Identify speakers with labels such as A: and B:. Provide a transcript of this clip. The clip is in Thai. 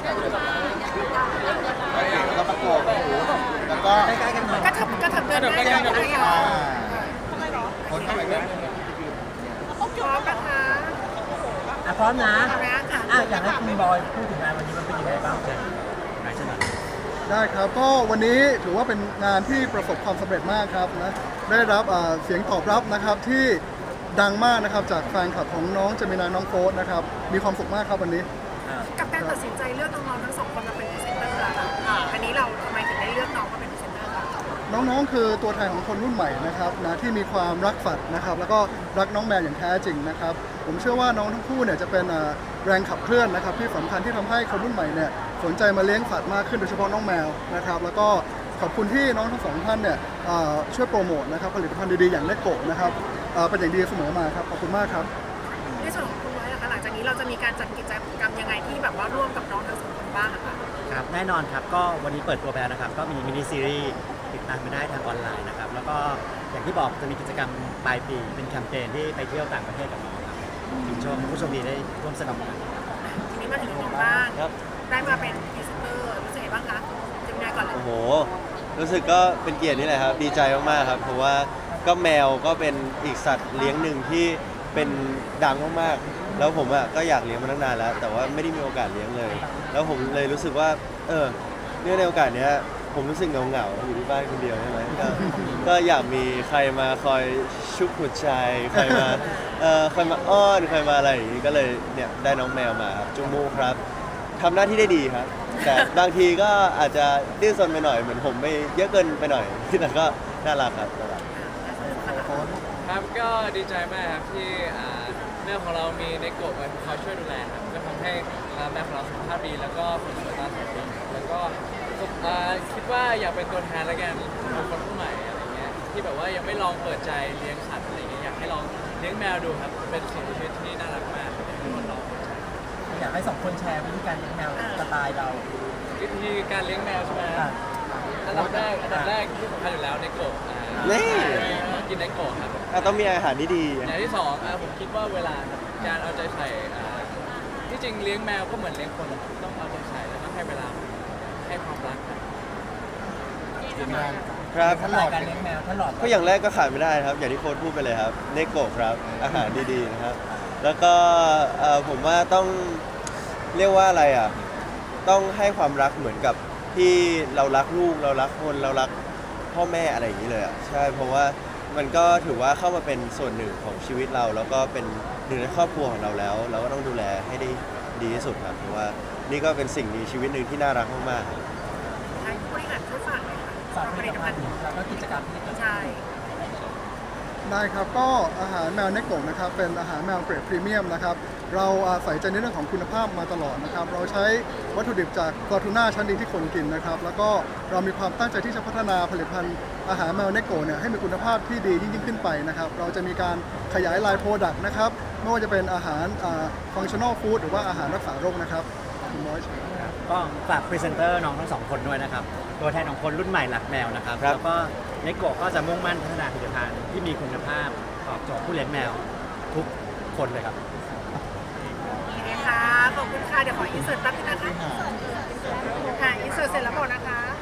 A: แล้วก็ประกบหูแล้วก็
B: ใกล้ๆกันหน่อย
C: กระเถิบเดินได้เลย
A: คนเข้าไปกัน
C: พร้อมนะคะ
B: พร้อมนะ
C: ค่ะ
B: อยากให้คุณบอยพูดถึงงานวันนี้มันเป็นยังไงบ้างเชิญนายชนะ
D: ได้ครับก็วันนี้ถือว่าเป็นงานที่ประสบความสำเร็จมากครับนะได้รับเสียงตอบรับนะครับที่ดังมากนะครับจากแฟนคลับของน้องเจมินาน้องโฟสนะครับมีความสุขมากครับวันนี้
C: กับการตัดสินใจเลือกน้องๆทั้งสองคนมาเป็นพรีเซนเตอร์ค่ะอันนี้เราทำไมถึงได้เลือกน้องมาเป็นพรีเซนเตอร์คะ
D: น้องๆคือตัวแทนของคนรุ่นใหม่นะครับนะที่มีความรักสัตว์นะครับแล้วก็รักน้องแมวอย่างแท้จริงนะครับผมเชื่อว่าน้องทั้งคู่เนี่ยจะเป็นแรงขับเคลื่อนนะครับที่สำคัญที่ทำให้คนรุ่นใหม่เนี่ยสนใจมาเลี้ยงสัตว์มากขึ้นโดยเฉพาะน้องแมวนะครับแล้วก็ขอบคุณที่น้องทั้งสองท่านเนี่ยช่วยโปรโมทนะครับผลิตภัณฑ์ดีๆอย่างเนโกะนะครับเป็นอย่างดีเสมอมาครับขอบคุณมากครับ
C: ในส่วนของคุณไว้ล่ะคะหลังจากนี้เราจะมีการจัดกิจกรรมยังไงที่แบบว่าร่วมกับน้องทั้งสองคนบ้างคะ
B: ครับแน่นอนครับก็วันนี้เปิดตัวไปแล้วนะครับก็มีมินิซีรีส์ติดตามไปได้ทางออนไลน์นะครับแล้วก็อย่างที่บอกจะมีกิจกรรมปลายปีเป็นแคมเปญที่ไปเที่ยวต่างประเทศกับน้องครับถึงชมผู้โชมดีได้ร่วมสนุกกัน
C: ทีนี้มาถึงน้องบ้างได้มาเป็นพรีเซนเตอร์รู้สึกยังไงบ้างคะเจมินายก่อนเลย
E: โอ้โหรู้สึกก็เป็นเกียรตินี่แหละครับดีใจมากๆครับเพราะว่าก็แมวก็เป็นอีกสัตว์เลี้ยงหนึ่งที่เป็นดังมากๆแล้วผมก็อยากเลี้ยงมาตั้งนานแล้วแต่ว่าไม่ได้มีโอกาสเลี้ยงเลย แล้วผมเลยรู้สึกว่าเนื่องในโอกาสนี้ผมรู้สึกเหงาๆอยู่ที่บ้านคนเดียวใช่ไหมก็อยากมีใครมาคอยชุบหัวใจใครมาคอยมาอ้อนใครมาอะไรอย่างนี้ก็เลยเนี่ยได้น้องแมวมาครับจุมูครับทำหน้าที่ได้ดีครับแต่บางทีก็อาจจะดื้อซนไปหน่อยเหมือนผมไม่เยอะเกินไปหน่อยแต่ก็น่ารักครับ
F: ครับก็ดีใจมากครับที่แมวของเรามีในโกะมาคอยช่วยดูแลครับก็ทำให้แมวของเราสุขภาพดีแล้วก็ผลสวยตาสวยแล้วก็คิดว่าอยากเป็นตัวแทนละกันของคนรุ่นใหม่อะไรเงี้ยที่แบบว่ายังไม่ลองเปิดใจเลี้ยงสัตว์อะไรเงี้ยอยากให้ลองเลี้ยงแมวดูครับเป็นสิ่งมีชีวิตที่น่ารักมากอยากให้คนลองเปิดใจ
B: อยากให้สองคนแชร์วิธีการเลี้ยงแมวสไตล์เรา
F: วิธีการเลี้ยงแมวใช่ไหมอันดับแรกที่สำคัญอยู่แล้วในโกะ
E: นี่
F: กินในโกะครับ
E: ต้องมีอาหารที่ดี
F: อย่างที่สองผมคิดว่าเวลาการเอาใจใส่ที่จริงเลี้ยงแมวก็เหมือนเลี้ยงคนต้องเอาใจใส่แล้วก็ให้เวลาให้ความรัก
E: ครับ
B: ท่านหลอดการเลี้ยงแมวท่านหลอด
E: ก็อย่างแรกก็ขาดไม่ได้ครับอย่างที่โค้ชพูดไปเลยครับเนโกะครับอาหารดีๆนะครับแล้วก็ผมว่าต้องเรียกว่าอะไรต้องให้ความรักเหมือนกับที่เรารักลูกเรารักคนเรารักพ่อแม่อะไรอย่างนี้เลยใช่เพราะว่ามันก็ถือว่าเข้ามาเป็นส่วนหนึ่งของชีวิตเราแล้วก็เป็นหนึ่งในครอบครัวของเราแล้วเราก็ต้องดูแลให้ได้ดีที่สุดครับเพราะว่านี่ก็เป็นสิ่งมีชีวิตหนึ่งที่น่ารักมากๆ
C: ให้ผู้บริหารช่วยฝากหน่อยค่ะ
B: ฝากผลิตภัณฑ์แล้วก็กิจกรรมที่
C: ใช่
D: ได้ครับก็อาหารแมวเนโกะนะครับเป็นอาหารแมวเกรดพรีเมียมนะครับเราใส่ใจในเรื่องของคุณภาพมาตลอดนะครับเราใช้วัตถุดิบจากปลาทูน่าชั้นดีที่คนกินนะครับแล้วก็เรามีความตั้งใจที่จะพัฒนาผลิตภัณฑ์อาหารแมวเนโกะเนี่ยให้มีคุณภาพที่ดียิ่งขึ้นไปนะครับเราจะมีการขยายไลน์โปรดักต์นะครับไม่ว่าจะเป็นอาหารฟังชั่นอลฟู้ดหรือว่าอาหารรักษาโรคนะครับคุณมอย
B: ก็ฝากพรีเซนเตอร์น้องทั้งสองคนด้วยนะครับตัวแทนของคนรุ่นใหม่หลักแมวนะครับแล้วก็เนโกะก็จะมุ่งมั่นพัฒนาผลิตภัณฑ์ที่มีคุณภาพตอบโจทย์ผู้เลี้ยงแมวทุกคนเลยครับ
C: ขอบคุณค่ะเดี๋ยวขออินเสิร์ตแป๊บนึงนะคะค่ะอินเสิร์ตเสร็จแล้วบอกนะคะ